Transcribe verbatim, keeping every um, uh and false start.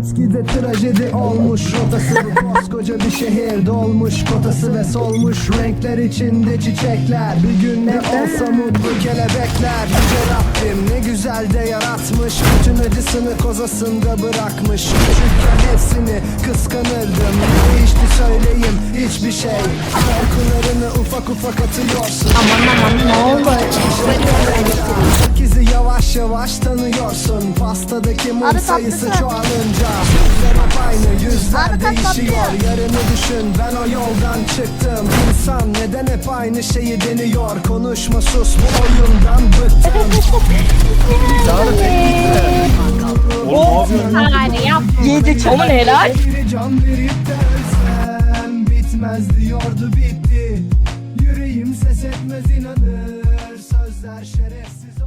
Eskide trajedi olmuş rotası. Koskoca bir şehir dolmuş kotası ve solmuş renkler içinde çiçekler. Bir gün ne olsa mutlu kelebekler. Yüce Rabbim ne güzel de yaratmış. Bütün acısını kozasında bırakmış. Küçükken hepsini kıskanırdım. Ne değişti söyleyeyim hiçbir şey. Korkularını ufak ufak atıyorsun. Aman aman ne oldu? Sekizi yavaş yavaş tanıyorsun. Pastadaki mum Abi sayısı tatlısı. çoğalınca yüzler hep aynı, yüzler Abi tat değişiyor. tatlı. Yarını düşün, ben o yoldan çıktım. İnsan neden hep aynı şeyi deniyor? Konuşma sus, bu oyundan bıktım. Yani yap. Yedik ama helal. Bir can verip de ölsem bitmez diyordu, bitti. Yüreğim ses etmez inanır. Sözler şerefsiz.